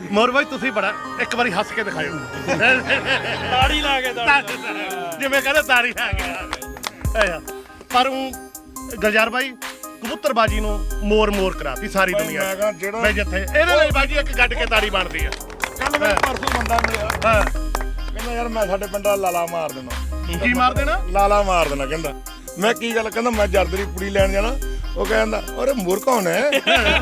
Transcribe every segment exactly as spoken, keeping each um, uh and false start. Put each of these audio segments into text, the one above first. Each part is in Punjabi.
ਮੋਰ ਬਾਈ ਤੁਸੀਂ ਬੜਾ ਇੱਕ ਵਾਰੀ ਹੱਸ ਕੇ ਦਿਖਾਇਓ ਤਾੜੀ ਲਾ ਕੇ ਜਿਵੇਂ ਕਹਿੰਦੇ ਤਾੜੀ ਲਾ ਕੇ ਪਰ ਉਹ ਗੁਲਜ਼ਾਰ ਬਾਈ ਕਬੂਤਰਬਾਜੀ ਨੂੰ ਮੋਰ ਮੋਰ ਕਰਾਤੀ ਸਾਰੀ ਦੁਨੀਆ ਬਈ ਜਿੱਥੇ ਇਹਦੇ ਲਈ ਬਾਜੀ ਇੱਕ ਗੱਡ ਕੇ ਤਾੜੀ ਬਣਦੀ ਆ। ਕੱਲ ਮੈਂ ਪਰਸੋਂ ਬੰਦਾ ਮਿਲਿਆ ਹਾਂ ਕਹਿੰਦਾ ਯਾਰ ਮੈਂ ਸਾਡੇ ਪਿੰਡ ਦਾ ਲਾਲਾ ਮਾਰ ਦੇਣਾ। ਕੀ ਮਾਰ ਦੇਣਾ? ਲਾਲਾ ਮਾਰ ਦੇਣਾ ਕਹਿੰਦਾ। ਮੈਂ ਕੀ ਗੱਲ ਕਹਿੰਦਾ ਮੈਂ ਜਰਦਰੀ ਕੁੜੀ ਲੈਣ ਜਾਣਾ। ਉਹ ਕਹਿੰਦਾ ਅਰੇ ਮੋਰ ਕੌਣ ਹੈ?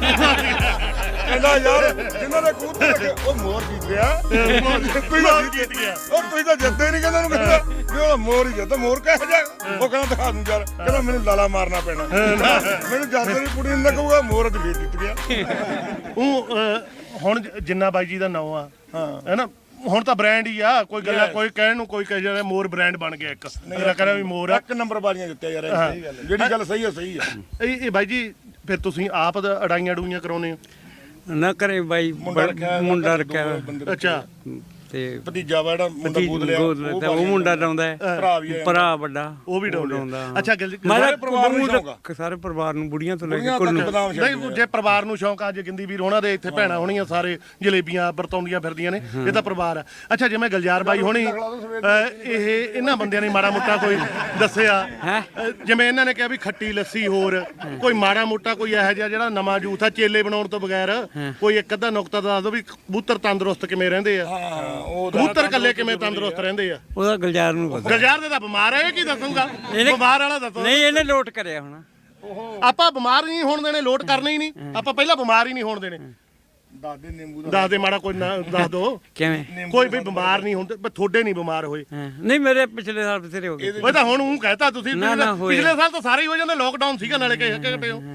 ਕਹਿੰਦਾ ਯਾਰ ਜਿਨ੍ਹਾਂ ਦੇ ਕਬੂਤਰ ਲੱਗੇ ਉਹ ਮੋਰ ਜਿੱਤ ਗਿਆ। ਕੋਈ ਤਾਂ ਜਿੱਤ ਗਿਆ ਉਹ ਕੋਈ ਤਾਂ ਜਿੱਤੇ ਨਹੀਂ ਕਹਿੰਦਾ ਉਹਨੂੰ ਕਹਿੰਦਾ ਵੀ ਉਹ ਮੋਰ ਹੀ ਜਿੱਤ ਮੋਰ ਕਹਿ ਜਾ। ਉਹ ਕਹਿੰਦਾ ਦਿਖਾ ਦੂੰ ਯਾਰ ਕਹਿੰਦਾ ਮੈਨੂੰ ਲਾਲਾ ਮਾਰਨਾ ਪੈਣਾ। ਮੈਨੂੰ ਜਰਦਰੀ ਕੁੜੀ ਨੂੰ ਲੱਗੂਗਾ ਮੋਰ ਅੱਜ ਵੀ ਜਿੱਤ ਗਿਆ। ਉਹ ਹੁਣ ਜਿੰਨਾ ਬਾਈ ਜੀ ਦਾ ਨਾਂ ਆ ਹੈ ਨਾ ਹੁਣ ਤਾਂ ਬ੍ਰਾਂਡ ਹੀ ਆ ਕੋਈ ਗੱਲ ਕੋਈ ਕਹਿਣ ਨੂੰ ਕੋਈ ਕਹੇ ਜਿਹੜਾ ਮੋਰ ਬ੍ਰਾਂਡ ਬਣ ਗਿਆ ਇੱਕ ਮੇਰਾ ਕਹਿੰਦਾ ਵੀ ਮੋਰ ਇੱਕ ਨੰਬਰ ਬਾਜ਼ੀਆਂ ਜਿੱਤਿਆ ਯਾਰ ਸਹੀ ਗੱਲ ਜਿਹੜੀ ਗੱਲ ਸਹੀ ਆ ਸਹੀ ਆ। ਇਹ ਇਹ ਬਾਈ ਜੀ ਫਿਰ ਤੁਸੀਂ ਆਪ ਅੜਾਈਆਂ ਅੜੂਈਆਂ ਕਰਾਉਨੇ ਹੋ? ਨਾ ਕਰੇ ਬਾਈ ਮੁੰਡਾ ਰੱਖਿਆ ਅੱਛਾ ਤੇ ਭਤੀਜਾ ਵਾ ਜਿਹੜਾ ਮੁੰਡਾ ਗੋਦ ਲਿਆ ਉਹ ਮੁੰਡਾ ਡਾਉਂਦਾ ਭਰਾ ਵੀ ਭਰਾ ਵੱਡਾ ਉਹ ਵੀ ਡਾਉਂਦਾ। ਅੱਛਾ ਸਾਰੇ ਪਰਿਵਾਰ ਨੂੰ ਸ਼ੌਂਕ ਸਾਰੇ ਪਰਿਵਾਰ ਨੂੰ ਬੁੜੀਆਂ ਤੋਂ ਲੈ ਕੇ ਕੁੱਲ ਨੂੰ ਨਹੀਂ ਜੇ ਪਰਿਵਾਰ ਨੂੰ ਸ਼ੌਂਕ ਆ ਜੇ ਗਿੰਦੀ ਵੀਰ ਹੋਣਾ ਦੇ ਇੱਥੇ ਭੈਣਾਂ ਹੋਣੀਆਂ ਸਾਰੇ ਜਲੇਬੀਆਂ ਵਰਤਾਉਂਦੀਆਂ ਫਿਰਦੀਆਂ ਨੇ ਇਹ ਤਾਂ ਪਰਿਵਾਰ ਆ। ਅੱਛਾ ਜਿਵੇਂ ਗੁਲਜ਼ਾਰ ਬਾਈ ਹੋਣੀ ਇਹ ਇਹਨਾਂ ਬੰਦਿਆਂ ਨੇ ਮਾੜਾ ਮੋਟਾ ਕੋਈ ਦੱਸਿਆ ਜਿਵੇਂ ਇਹਨਾਂ ਨੇ ਕਿਹਾ ਵੀ ਖੱਟੀ ਲੱਸੀ ਹੋਰ ਕੋਈ ਮਾੜਾ ਮੋਟਾ ਕੋਈ ਇਹੋ ਜਿਹਾ ਜਿਹੜਾ ਨਵਾਂ ਜੂਥ ਆ ਚੇਲੇ ਬਣਾਉਣ ਤੋਂ ਬਗੈਰ ਕੋਈ ਇੱਕ ਅੱਧਾ ਨੁਕਤਾ ਦੱਸ ਦਿਓ ਵੀ ਕਬੂਤਰ ਤੰਦਰੁਸਤ ਕਿਵੇਂ ਰਹਿੰਦੇ ਆ ਕਬੂਤਰ ਕੱਲੇ ਕਿਵੇਂ ਤੰਦਰੁਸਤ ਰਹਿੰਦੇ ਆ? ਉਹਦਾ ਗੁਲਜ਼ਾਰ ਨੂੰ ਪਤਾ। ਗੁਲਜ਼ਾਰ ਦੇ ਤਾਂ ਬਿਮਾਰ ਹੈ ਕੀ ਦੱਸੂਗਾ ਬਿਮਾਰ ਵਾਲਾ ਦੱਸੋ। ਨਹੀਂ ਇਹਨੇ ਲੋਟ ਕਰਿਆ ਹੁਣ ਆਪਾਂ ਬਿਮਾਰ ਨਹੀਂ ਹੋਣ ਦੇਣੇ ਲੋਟ ਕਰਨੇ ਹੀ ਨਹੀਂ ਆਪਾਂ ਪਹਿਲਾਂ ਬਿਮਾਰ ਹੀ ਨਹੀਂ ਹੋਣ ਦੇਣੇ। ਦੱਸ ਦੇ ਨਿੰਬੂ ਦਾ ਦੱਸ ਦੇ ਮਾੜਾ ਕੋਈ ਨਾ ਦੱਸ ਦੋ ਕਿਵੇਂ ਕੋਈ ਵੀ ਬਿਮਾਰ ਨਹੀਂ ਹੁੰਦੇ ਪਰ ਤੁਹਾਡੇ ਨਹੀਂ ਬਿਮਾਰ ਹੋਏ। ਨਹੀਂ ਮੇਰੇ ਪਿਛਲੇ ਸਾਲ ਬਥੇਰੇ ਹੋ ਗਏ ਉਹ ਤਾਂ ਹੁਣ ਉਹ ਕਹਤਾ ਤੁਸੀਂ ਪਿਛਲੇ ਸਾਲ ਤਾਂ ਸਾਰੇ ਹੀ ਹੋ ਜਾਂਦੇ ਲੋਕਡਾਊਨ ਸੀਗਾ ਨਾਲੇ ਕਿ ਘਟੇ ਹੋ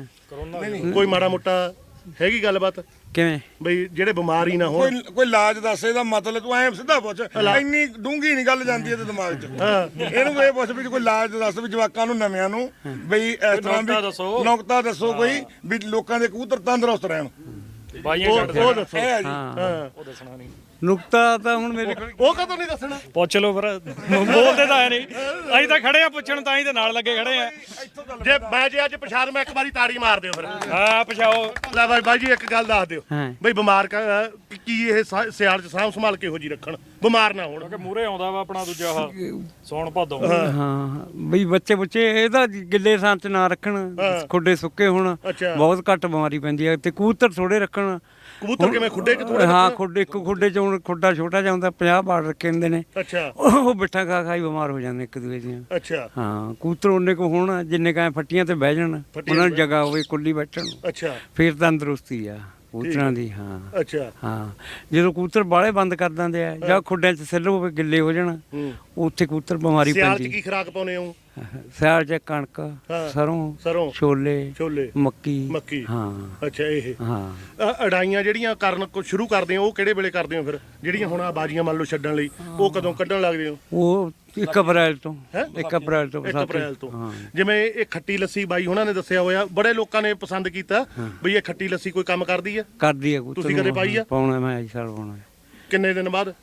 ਕੋਈ ਮਾੜਾ ਮੋਟਾ ਹੈਗੀ ਗੱਲਬਾਤ ਕਿਵੇਂ ਬਈ ਜਿਹੜੇ ਬਿਮਾਰ ਹੀ ਨਾ ਹੋਣ ਕੋਈ ਕੋਈ ਇਲਾਜ ਦੱਸ ਇਹਦਾ ਮਤਲਬ ਤੂੰ ਐਂ ਸਿੱਧਾ ਪੁੱਛ ਇੰਨੀ ਡੂੰਗੀ ਨਹੀਂ ਗੱਲ ਜਾਂਦੀ ਇਹਦੇ ਦਿਮਾਗ 'ਚ ਇਹਨੂੰ ਇਹ ਪੁੱਛ ਵੀ ਕੋਈ ਇਲਾਜ ਦੱਸ ਵੀ ਜਵਾਕਾਂ ਨੂੰ ਨਵਿਆਂ ਨੂੰ ਬਈ ਇਸ ਤਰ੍ਹਾਂ ਵੀ ਨੁਕਤਾ ਦੱਸੋ ਕੋਈ ਵੀ ਲੋਕਾਂ ਦੇ ਕਬੂਤਰ ਤੰਦਰੁਸਤ ਰਹਿਣ ਬਾਈਆਂ ਛੱਡ ਉਹ ਦੱਸੋ ਹਾਂ ਉਹ ਦੱਸਣਾ ਨਹੀਂ ਨੁਕਤਾ ਤਾਂ ਹੁਣ ਮੇਰੇ ਕੋਲ ਉਹ ਕਦੋਂ ਨਹੀਂ ਦੱਸਣਾ ਪੁੱਛ ਲਓ ਫਿਰ ਬੋਲਦੇ ਤਾਂ ਹੈ ਨਹੀਂ ਅਸੀਂ ਤਾਂ ਖੜੇ ਆ ਪੁੱਛਣ ਤਾਂ ਹੀ ਤੇ ਨਾਲ ਲੱਗੇ ਖੜੇ ਆ ਜੇ ਮੈਂ ਜੇ ਅੱਜ ਪਛਾਣ ਮੈਂ ਇੱਕ ਵਾਰੀ ਤਾੜੀ ਮਾਰ ਦਿਓ ਫਿਰ ਹਾਂ ਪਛਾਓ ਲੈ ਬਾਈ ਬਾਈ ਜੀ ਇੱਕ ਗੱਲ ਦੱਸ ਦਿਓ ਬਈ ਬਿਮਾਰ ਕੀ ਇਹ ਸਿਆਲ ਚ ਸਾਂਭ ਸੰਭਾਲ ਕੇ ਹੋ ਜੀ ਰੱਖਣ ਬਿਮਾਰ ਨਾ ਹੋਣ ਕਿ ਮੂਰੇ ਆਉਂਦਾ ਵਾ ਆਪਣਾ ਦੂਜਾ ਆਹ ਸੌਣ ਭਾਦੋਂ ਹਾਂ ਬਈ ਬੱਚੇ ਬੱਚੇ ਇਹਦਾ ਗਿੱਲੇ ਥਾਂ ਚ ਨਾ ਰੱਖਣ ਖੁੱਡੇ ਸੁੱਕੇ ਹੋਣ ਬਹੁਤ ਘੱਟ ਬਿਮਾਰੀ ਪੈਂਦੀ ਹੈ ਤੇ ਕਬੂਤਰ ਥੋੜੇ ਰੱਖਣ। ਕਬੂਤਰ ਕਿਵੇਂ ਖੁੱਡੇ ਚ ਥੋੜੇ? ਹਾਂ ਖੁੱਡੇ ਇੱਕ ਖੁੱਡੇ ਚ ਹੁਣ ਖੁੱਡਾ ਛੋਟਾ ਜਿਹਾ ਹੁੰਦਾ ਪੰਜਾਹ ਬਾੜ ਰੱਖੇ ਹੁੰਦੇ ਨੇ। ਅੱਛਾ ਉਹ ਬਿੱਠਾ ਖਾ ਖਾ ਹੀ ਬਿਮਾਰ ਹੋ ਜਾਂਦੇ ਇੱਕ ਦੂਜੇ ਦੀਆਂ। ਅੱਛਾ ਹਾਂ ਕਬੂਤਰ ਉਹਨੇ ਕੋ ਹੋਣ ਜਿੰਨੇ ਕਾਂ ਫੱਟੀਆਂ ਤੇ ਬਹਿ ਜਾਣ ਉਹਨਾਂ ਨੂੰ ਜਗ੍ਹਾ ਹੋਵੇ ਕੁੱਲੀ ਬੈਠਣ ਨੂੰ ਅੱਛਾ ਫਿਰ ਤੰਦਰੁਸਤੀ ਆ ਕਬੂਤਰਾਂ ਦੀ। ਹਾਂ ਅੱਛਾ ਹਾਂ ਜਦੋਂ ਕਬੂਤਰ ਬਾਹਲੇ ਬੰਦ ਕਰ ਦਿੰਦੇ ਆ ਜਾਂ ਖੁੱਡਿਆਂ 'ਚ ਸਿੱਲ ਹੋਵੇ ਗਿੱਲੇ ਹੋ ਜਾਣ ਉੱਥੇ ਕਬੂਤਰ ਬਿਮਾਰੀ ਸਿਆਲ ਚ ਪੈਂਦੀ। ਕੀ ਖੁਰਾਕ ਪਾਉਨੇ ਹੋ? ਸਿਆਲ 'ਚ ਕਣਕ ਸਰੋਂ ਸਰੋਂ ਛੋਲੇ ਛੋਲੇ ਮੱਕੀ ਮੱਕੀ ਹਾਂ ਅੱਛਾ ਇਹ ਹਾਂ ਅੜਾਈਆਂ ਜਿਹੜੀਆਂ ਕਰਨ ਸ਼ੁਰੂ ਕਰਦੇ ਹੋ ਉਹ ਕਿਹੜੇ ਵੇਲੇ ਕਰਦੇ ਹੋ ਫਿਰ ਜਿਹੜੀਆਂ ਹੁਣ ਆ ਬਾਜੀਆਂ ਮੰਨ ਲਓ ਛੱਡਣ ਲਈ ਉਹ ਕਦੋਂ ਕੱਢਣ ਲੱਗਦੇ ਹੋ? ਉਹ ਇੱਕ ਅਪ੍ਰੈਲ ਤੋਂ ਇੱਕ ਅਪ੍ਰੈਲ ਤੋਂ ਇੱਕ ਅਪ੍ਰੈਲ ਤੋਂ ਜਿਵੇਂ ਇਹ ਖੱਟੀ ਲੱਸੀ ਬਾਈ ਉਹਨਾਂ ਨੇ ਦੱਸਿਆ ਹੋਇਆ ਬੜੇ ਲੋਕਾਂ ਨੇ ਪਸੰਦ ਕੀਤਾ ਬਈ ਇਹ ਖੱਟੀ ਲੱਸੀ ਕੋਈ ਕੰਮ ਕਰਦੀ ਆ? ਕਰਦੀ ਆ ਤੁਸੀਂ ਕਦੇ ਪਾਈ ਆ? ਪਾਉਣਾ ਮੈਂ ਇਸ ਸਾਲ ਪਾਉਣਾ। ਕਿੰਨੇ ਦਿਨ ਬਾਅਦ?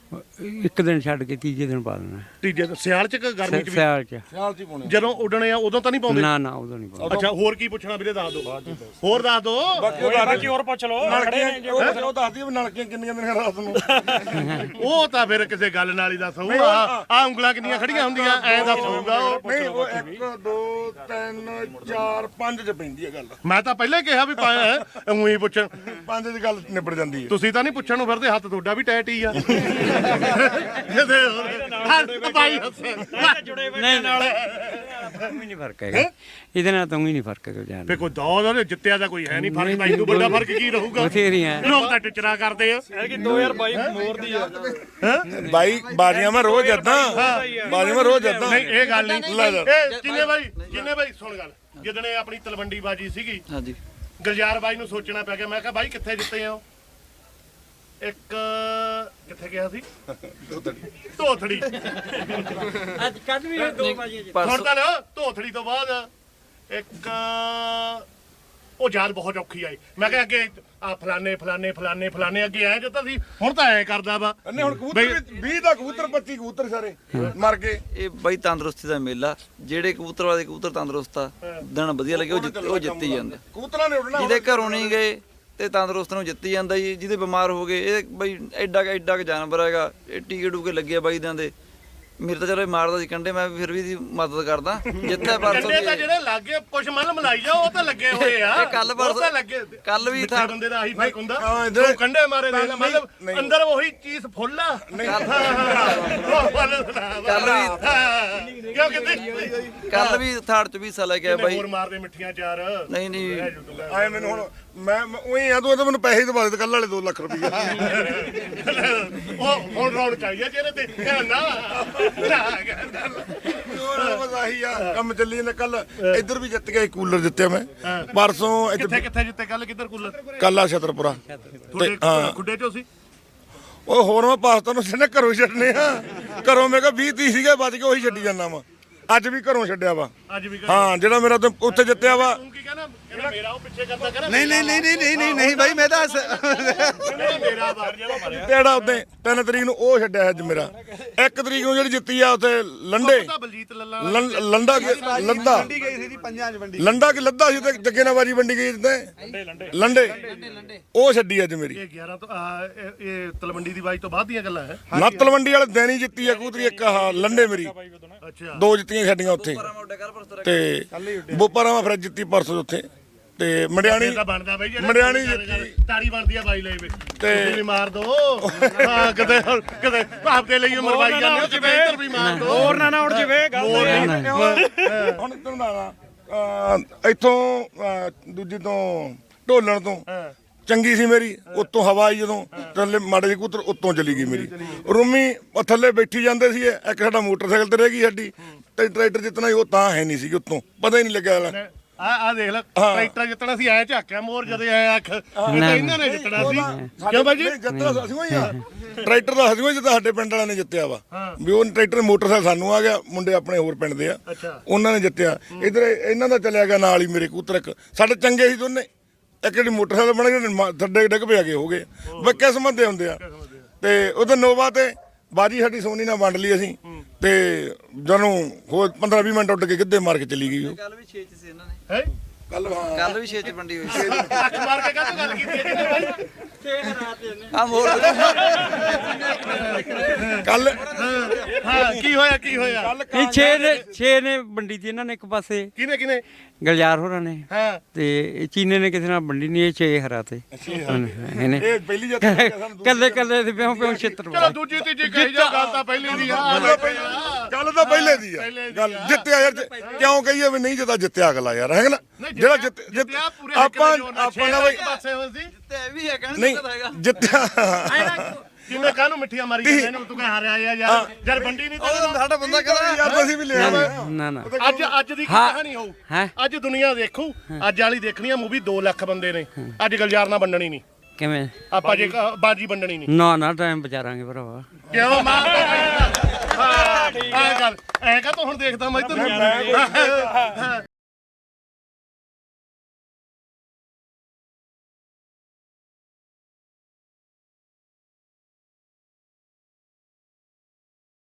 ਇੱਕ ਦਿਨ ਛੱਡ ਕੇ ਤੀਜੇ ਦਿਨ ਪਾ ਦੇਣਾ। ਤੀਜੇ ਸਿਆਲ ਚ ਕਿ ਗਰਮੀ ਚ? ਸਿਆਲ ਚ ਸਿਆਲ 'ਚ ਹੀ ਪਾਉਣੇ ਜਦੋਂ ਉੱਡਣੇ ਆ ਉਦੋਂ ਤਾਂ ਨਹੀਂ ਪਾਉਂਦੇ? ਨਾ ਨਾ ਉਦੋਂ ਨਹੀਂ ਪਾਉਂਦੇ। ਅੱਛਾ ਹੋਰ ਕੀ ਪੁੱਛਣਾ ਵੀਰੇ ਦੱਸ ਦਿਓ ਹੋਰ ਦੱਸ ਦਿਓ ਬਾਕੀ ਹੋਰ ਪੁੱਛ ਲਓ ਉਹ ਦੱਸਦੀ ਵੀ ਨਲਕੀਆਂ ਕਿੰਨੀਆਂ ਦਿਨਾਂ ਰਾਤ ਨੂੰ ਉਹ ਤਾਂ ਫਿਰ ਕਿਸੇ ਗੱਲ ਨਾਲ ਹੀ ਦੱਸ ਹੋਊਗਾ ਆ ਉਂਗਲਾਂ ਕਿੰਨੀਆਂ ਖੜੀਆਂ ਹੁੰਦੀਆਂ ਐ ਦੱਸ ਹੋਊਗਾ ਉਹ। ਨਹੀਂ ਉਹ ਇੱਕ ਦੋ ਤਿੰਨ ਚਾਰ ਪੰਜ 'ਚ ਪੈਂਦੀ ਹੈ ਗੱਲ। ਮੈਂ ਤਾਂ ਪਹਿਲਾਂ ਹੀ ਕਿਹਾ ਵੀ ਉਹੀ ਪੁੱਛਣ ਪੰਜ 'ਚ ਗੱਲ ਨਿਬੜ ਜਾਂਦੀ ਹੈ। ਤੁਸੀਂ ਤਾਂ ਨਹੀਂ ਪੁੱਛਣ ਨੂੰ ਫਿਰਦੇ ਹੱਥ ਤੁਹਾਡਾ ਵੀ ਟੈਟ ਹੀ ਆ ਬਾਈ ਜੁੜੇ ਬੈਠੇ ਨਾਲ ਕੋਈ ਨਹੀਂ ਫਰਕ ਹੈਗਾ ਇਹਦੇ ਨਾਲ ਤਾਂ ਵੀ ਨਹੀਂ ਫਰਕ ਹੈਗਾ ਜਾਨ ਫੇ ਕੋਈ ਦੌੜ ਜਿੱਤਿਆ ਦਾ ਕੋਈ ਹੈ ਨਹੀਂ ਫਰਕ ਤਾਂ ਇਹਨੂੰ ਵੱਡਾ ਫਰਕ ਕੀ ਰਹੂਗਾ? ਬਥੇਰੀਆਂ ਲੋਕ ਤਾਂ ਟਿਚਰਾ ਕਰਦੇ ਆ ਕਿ ਦੋ ਹਜ਼ਾਰ ਬਾਈ ਮੋਰ ਦੀ ਆ ਬਾਈ ਬਾਜੀਆਂ ਮੈਂ ਰੋਜ਼ ਜਿੱਦਾਂ ਬਾਜੀਆਂ ਮੈਂ ਰੋਜ਼ ਜਿੱਦਾਂ। ਨਹੀਂ ਇਹ ਗੱਲ ਨਹੀਂ ਇਹ ਕਿੰਨੇ ਬਾਈ ਕਿੰਨੇ ਬਾਈ ਸੁਣ ਗੱਲ ਜਿੱਦਣੇ ਆਪਣੀ ਤਲਵੰਡੀ ਬਾਜੀ ਸੀਗੀ ਹਾਂਜੀ ਗੁਲਜ਼ਾਰ ਬਾਈ ਨੂੰ ਸੋਚਣਾ ਪੈ ਗਿਆ ਮੈਂ ਕਿਹਾ ਬਾਈ ਕਿੱਥੇ ਜਿੱਤੇ ਆ? ਇੱਕ ਕਿੱਥੇ ਗਿਆ ਸੀ? ਧੋਥੜੀ ਅੱਜ ਕੱਲ ਵੀ ਦੋ ਵਜੇ ਹੁਣ ਤਾਂ ਨਾ ਧੋਥੜੀ ਤੋਂ ਬਾਅਦ ਇੱਕ ਉਹ ਯਾਦ ਬਹੁਤ ਔਖੀ ਆਈ ਮੈਂ ਕਿਹਾ ਅੱਗੇ ਆ ਫਲਾਨੇ ਫਲਾਨੇ ਫਲਾਨੇ ਫਲਾਨੇ ਅੱਗੇ ਆਏ ਜੋ ਤਾਂ ਸੀ ਹੁਣ ਤਾਂ ਐ ਕਰਦਾ ਵਾ ਨਹੀਂ ਹੁਣ ਕਬੂਤਰ ਵੀਹ ਦਾ ਕਬੂਤਰ ਪੱਚੀ ਕਬੂਤਰ ਸਾਰੇ ਮਰ ਗਏ। ਇਹ ਬਾਈ ਤੰਦਰੁਸਤੀ ਦਾ ਮੇਲਾ ਜਿਹੜੇ ਕਬੂਤਰ ਵਾਲੇ ਕਬੂਤਰ ਤੰਦਰੁਸਤ ਆ ਦਿਨ ਵਧੀਆ ਲੱਗੇ ਉਹ ਜਿੱਤ ਉਹ ਜਿੱਤੀ ਜਾਂਦੇ ਕਬੂਤਰਾਂ ਨੇ ਉੱਡਣਾ ਜਿਹਦੇ ਘਰੋਂ ਨਹੀਂ ਗਏ ਤੇ ਤੰਦਰੁਸਤ ਨੂੰ ਜਿੱਤੀ ਜਾਂਦਾ ਜੀ। ਜਿਹਦੇ ਬਿਮਾਰ ਹੋ ਗਏ ਇਹ ਬਈ ਐਡਾ ਕੁ ਐਡਾ ਕੁ ਜਾਨਵਰ ਹੈਗਾ, ਇਹ ਟੀਕੇ ਟੂਕੇ ਲੱਗੇ ਆ ਬਾਈ ਦਿਆਂ ਦੇ। ਮੇਰੇ ਤਾਂ ਚਲੋ ਇਹ ਮਾਰਦਾ ਸੀ ਕੰਡੇ, ਮੈਂ ਫਿਰ ਵੀ ਦੀ ਮਦਦ ਕਰਦਾ। ਜਿੱਥੇ ਪਰਸੋਂ ਕੰਡੇ ਤਾਂ ਜਿਹੜੇ ਲੱਗੇ ਕੁਛ ਮਨ ਮਲਾਈ ਜਾ ਉਹ ਤਾਂ ਲੱਗੇ ਹੋਏ ਆ। ਇਹ ਕੱਲ੍ਹ ਉਹ ਪਰਸੋਂ- ਤਾਂ ਲੱਗੇ ਕੱਲ੍ਹ ਵੀ ਮਿੱਠੇ ਥਾਂ- ਬੰਦੇ ਦਾ ਆਹੀ ਫਰਕ ਹੁੰਦਾ। ਹਾਂ, ਇੱਧਰ- ਤੂੰ ਕੰਡੇ ਮਾਰੇ ਦੇਖ ਲੈ, ਮਤਲਬ ਨਹੀਂ। ਅੰਦਰ ਉਹੀ ਚੀਜ਼ ਫੁੱਲ ਆ। ਕੱਲ੍ਹ ਵੀ ਕਿਉਂ ਕਹਿੰਦੇ ਕੱਲ ਵੀ ਥਾੜ ਚ ਵੀ ਹਿੱਸਾ ਲੈ ਕੇ ਆਇਆ ਬਾਈ। ਹੋਰ ਮਾਰਦੇ ਮਿੱਠੀਆਂ ਚਾਰ। ਨਹੀਂ ਨਹੀਂ ਆਏ ਮੈਨੂੰ ਹੁਣ ਮੈਂ ਉਹੀ ਆ, ਤੂੰ ਇਹ ਤਾਂ ਮੈਨੂੰ ਪੈਸੇ ਦਵਾ ਦੇ ਕੱਲ ਵਾਲੇ ਦੋ ਲੱਖ ਰੁਪਈਆ। ਉਹ ਹੁਣ ਰੌਣਕ ਆਈ ਆ ਚਿਹਰੇ ਤੇ ਕਹਿ ਨਾ ਹੋਰ ਬਸ ਆਹੀ ਆ ਕੰਮ ਚੱਲੀ ਜਾਂਦਾ। ਕੱਲ ਇੱਧਰ ਵੀ ਜਿੱਤ ਗਿਆ, ਕੂਲਰ ਜਿੱਤਿਆ ਮੈਂ ਪਰਸੋਂ। ਕਿੱਥੇ ਕਿੱਥੇ ਜਿੱਤੇ ਕੱਲ ਕਿੱਧਰ ਕੂਲਰ ਕੱਲ ਆ ਛਤਰਪੁਰਾ ਤੁਹਾਡੇ ਹਾਂ। ਖੁੱਡੇ ਚੋਂ ਸੀ। ਉਹ ਹੋਰ ਮੈਂ ਪਾਸਤਾ ਨੂੰ ਸਿੱਧੇ ਘਰੋਂ ਹੀ ਛੱਡਨੇ ਆ। ਘਰੋਂ ਮੈਂ ਕਿਹਾ ਵੀਹ ਤੀਹ ਸੀਗੇ ਬਚ ਕੇ ਉਹੀ ਛੱਡੀ ਜਾਂਦਾ ਵਾ। ਅੱਜ ਵੀ ਘਰੋਂ ਛੱਡਿਆ ਵਾ। ਅੱਜ ਵੀ ਹਾਂ ਜਿਹੜਾ ਮੇਰਾ ਉੱਥੇ- ਉੱਥੇ ਜਿੱਤਿਆ ਵਾ। ਤੂੰ ਕੀ ਕਹਿੰਦਾ ਕਹਿੰਦਾ ਮੇਰਾ ਉਹ ਪਿੱਛੇ ਕਰਦਾ ਕਹਿੰਦਾ ਨਹੀਂ ਨਹੀਂ ਨਹੀਂ ਨਹੀਂ ਨਹੀਂ ਨਹੀਂ ਨਹੀਂ ਬਾਈ ਮੈਂ ਤਾਂ ਕਹਿੰਦਾ ਮੇਰਾ ਬਾਹਰ ਜਿਹੜਾ ਮਾਰਿਆ ਤੇੜਾ ਉੱਤੇ ਤਿੰਨ ਤਰੀਕ ਨੂੰ ਉਹ ਛੱਡਿਆ ਅੱਜ ਮੇਰਾ। ਇੱਕ ਤਰੀਕ ਨੂੰ ਜਿਹੜੀ ਜਿੱਤੀ ਆ ਉੱਥੇ ਲੰਡੇ ਤਾਂ ਬਲਜੀਤ ਲੱਲਾ ਲੰ- ਲੰਡਾ ਕੀ ਲੱਦਾ ਵੰਡੀ ਗਈ ਸੀ ਜੀ ਪੰਜਾਂ ਚ ਵੰਡੀ। ਲੰਡਾ ਕੀ ਲੱਦਾ ਸੀ ਤੇ ਜੱਗੇ ਨਾਲ ਬਾਜੀ ਵੰਡੀ ਗਈ ਜਿੱਤੇ ਲੰਡੇ ਉਹ ਛੱਡੀ ਅੱਜ ਮੇਰੀ। ਇਹ ਗਿਆਰਾਂ ਤੋਂ ਆਹ, ਇਹ ਇਹ ਤਲਵੰਡੀ ਦੀ ਬਾਈ ਤੋਂ ਬਾਅਦ ਦੀਆਂ ਗੱਲਾਂ ਹੈ। ਨਾ ਤਲਵੰਡੀ ਵਾਲੇ ਦਿਨ ਹੀ ਜਿੱਤੀ ਆ ਕੂਤਰੀ ਇੱਕ ਆਹ ਲੰਡੇ ਮੇਰੀ। ਅੱਛਾ ਦੋ ਜਿੱਤੀਆਂ ਛੱਡੀਆਂ ਉੱਥੇ ਤੇ ਬੋਪਾਰਾ ਮੈਂ ਫਿਰ ਜਿੱਤੀ ਪਰਸੋਂ ਉੱਥੇ ਤੇ ਮੰਡਿਆਣੀ ਇਹ ਤਾਂ ਬਣਦਾ ਬਾਈ ਜਿਹੜੇ ਮੰਡਿਆਣੀ ਜਿੱਤੀ। ਤਾੜੀ ਬਣਦੀ ਆ ਬਾਈ ਲਈ ਵੀ ਤੇ ਵੀ ਮਾਰ ਦੋ ਹਾਂ ਕਿਤੇ ਕਿਤੇ ਭਾਪ ਦੇ ਲਈ ਮਰਵਾਈ ਜਾਂਦੇ ਹੋ ਕਿਤੇ ਇੱਧਰ ਵੀ ਮਾਰ ਦੋ ਹੋਰ ਨਾ ਨਾ ਉੜ ਜਵੇ ਗੱਲ ਹੁਣ ਤੈਨੂੰ ਦੱਸਦਾ ਇੱਥੋਂ ਅਹ, ਦੂਜੀ ਤੋਂ ਢੋਲਣ ਤੋਂ ਚੰਗੀ ਸੀ ਮੇਰੀ। ਉੱਤੋਂ ਹਵਾ ਆਈ ਜਦੋਂ ਥੱਲੇ ਮਾੜੇ ਜਿਹੇ ਕੂਤਰ ਉੱਤੋਂ ਚਲੀ ਗਈ ਮੇਰੀ। ਰੂਮੀ ਉਹ ਥੱਲੇ ਬੈਠੀ ਜਾਂਦੇ ਸੀ। ਇੱਕ ਸਾਡਾ ਮੋਟਰਸਾਈਕਲ ਤੇ ਰਹਿ ਗਈ ਸਾਡੀ ਤੇ ਟਰੈਕਟਰ ਜਿੱਤਣਾ ਸੀ ਉਹ ਤਾਂ ਹੈ ਨਹੀਂ ਸੀ ਉੱਤੋਂ ਪਤਾ ਹੀ ਨਹੀਂ ਲੱਗਿਆ। ਆ ਆ ਦੇਖ ਲੈ ਟਰੈਕਟਰ ਜਿੱਤਣਾ ਸੀ ਐ ਝਾਕਿਆ ਮੋਰ ਜਦੋਂ ਐ ਅੱਖ ਇਹ ਤਾਂ ਇਹਨਾਂ ਨੇ ਜਿੱਤਣਾ ਸੀ ਕਿਉਂ ਬਾਈ ਜੀ ਜਿੱਤਣਾ ਅਸੀਂ ਹੋਈ ਆ ਟਰੈਕਟਰ ਦਾ ਅਸੀਂ ਹੋਈ ਜਿੱਦਾਂ ਸਾਡੇ ਪਿੰਡ ਵਾਲਿਆਂ ਨੇ ਜਿੱਤਿਆ ਵਾ ਵੀ ਉਹ ਟਰੈਕਟਰ ਮੋਟਰਸਾਈਕਲ ਸਾਨੂੰ ਆ ਗਿਆ, ਮੁੰਡੇ ਆਪਣੇ ਹੋਰ ਪਿੰਡ ਦੇ ਆ ਉਹਨਾਂ ਨੇ ਜਿੱਤਿਆ। ਇਧਰ ਇਹਨਾਂ ਦਾ ਚੱਲਿਆ ਗਿਆ ਨਾਲ ਹੀ ਮੇਰੇ ਕੂਤਰ ਇੱਕ ਸਾਡੇ ਚੰਗੇ ਸੀ ਦੋਨੇ। ਇੱਕ ਜਿਹੜੀ ਮੋਟਰਸਾਈਕਲ ਬਣ ਗਏ ਥੱਡੇ ਡਿੱਗ ਪਿਆ ਗਏ ਹੋ ਗਏ ਬਈ ਕਿਸਮਤ ਦੇ ਹੁੰਦੇ ਆ। ਤੇ ਉਹਦੇ ਨੋਵਾ ਤੇ ਬਾਜੀ ਸਾਡੀ ਸੋਨੀ ਨਾਲ ਵੰਡ ਲਈ ਅਸੀਂ ਤੇ ਜਦੋਂ ਹੋਰ ਪੰਦਰਾਂ ਵੀਹ ਮਿੰਟ ਉੱਡ ਕੇ ਗਿੱਧੇ ਮਾਰ ਕੇ ਚਲੀ ਗਈ ਉਹ। ਕੱਲ ਵੀ ਛੇ ਚ ਸੀ ਇਹਨਾਂ ਨੇ। ਹੈ ਕੱਲ ਹਾਂ ਕੱਲ ਵੀ ਛੇ ਚ ਵੰਡੀ ਹੋਈ ਸੀ। ਅੱਖ ਮਾਰ ਕੇ ਕਾਹਤੋਂ ਗੱਲ ਕੀਤੀ ਹੈ ਜੀ ਬਾਈ ਆ ਮੋੜ ਕੱਲ ਹਾਂ ਕੀ ਹੋਇਆ ਕੀ ਹੋਇਆ ਇਹ ਛੇ ਨੇ ਛੇ ਨੇ ਵੰਡੀ ਤੀ ਇਹਨਾਂ ਨੇ ਇੱਕ ਪਾਸੇ, ਕਿਹਨੇ ਕਿਹਨੇ ਗਲਜਾਰ ਹੋਰਾਂ ਨੇ, ਹਾਂ ਤੇ ਇਹ ਚੀਨੇ ਨੇ ਕਿਸੇ ਨਾਲ ਵੰਡੀ ਨਹੀਂ। ਇਹ ਛੇ ਹਰਾਤੇ ਇਹਨੇ ਇਹ ਪਹਿਲੀ ਜਿੱਤ ਹੋਈ ਆ ਸਾਨੂੰ। ਕੱਲੇ ਕੱਲੇ ਦੇ ਪਿਓ ਪਿਓ ਛਿੱਤਰ ਚਲੋ ਦੂਜੀ ਤੀਜੀ ਕਹੀ ਜਾ ਗੱਲ ਤਾਂ ਪਹਿਲੀ ਦੀ ਆ ਗੱਲ ਤਾਂ ਪਹਿਲੇ ਦੀ ਆ ਗੱਲ ਜਿੱਤਿਆ ਯਾਰ ਕਿਉਂ ਕਹੀਏ ਵੀ ਨਹੀਂ ਜਿੱਤਾ ਜਿੱਤਿਆ ਅਗਲਾ ਯਾਰ ਹੈ ਨਾ ਜਿਹੜਾ ਜਿੱਤ ਜਿੱਤ ਆਪਾਂ ਆਪਾਂ ਨਾ ਬਈ ਪਾਸੇ ਹੋਏ ਸੀ ਤੇ ਇਹ ਵੀ ਹੈ ਕਹਿਣ ਨਹੀਂ ਦਾ ਹੈਗਾ। ਜਿੱਤਿਆ ਕਿਵੇਂ ਕਾਹਨੂੰ ਮਿੱਠੀਆਂ ਮਾਰੀ ਜਾਂਦੇ ਨੇ ਤੂੰ ਕਹਿ ਹਾਰਿਆ ਆ ਯਾਰ ਯਾਰ ਬੰਡੀ ਨਹੀਂ ਤੇ ਸਾਡਾ ਬੰਦਾ ਕਹਿੰਦਾ ਯਾਰ ਅਸੀਂ ਵੀ ਲਿਆ ਵਾ ਨਾ ਨਾ ਅੱਜ ਅੱਜ ਦੀ ਕੀ ਹਾਂ। ਕਹਾਣੀ ਹੋਊ ਹੈਂ? ਅੱਜ ਦੁਨੀਆ ਦੇਖੂ ਅੱਜ ਵਾਲੀ ਦੇਖਣੀ ਆ ਮੂਵੀ ਦੋ ਲੱਖ ਬੰਦੇ ਨੇ ਅੱਜ ਗਲਜਾਰ ਨਾਲ ਵੰਡਣੀ ਨਹੀਂ ਕਿਵੇਂ ਆਪਾਂ ਜੇ ਕ- ਬਾਜੀ ਵੰਡਣੀ ਨਹੀਂ ਨਾ ਨਾ ਟਾਈਮ ਵਿਚਾਰਾਂਗੇ ਭਰਾਵਾ। ਕਿਉਂ ਮਾਂ ਹਾਂ ਆ ਗੱਲ ਐ ਕਾ ਤੂੰ ਹੁਣ ਦੇਖਦਾ ਮੈਂ ਤੈਨੂੰ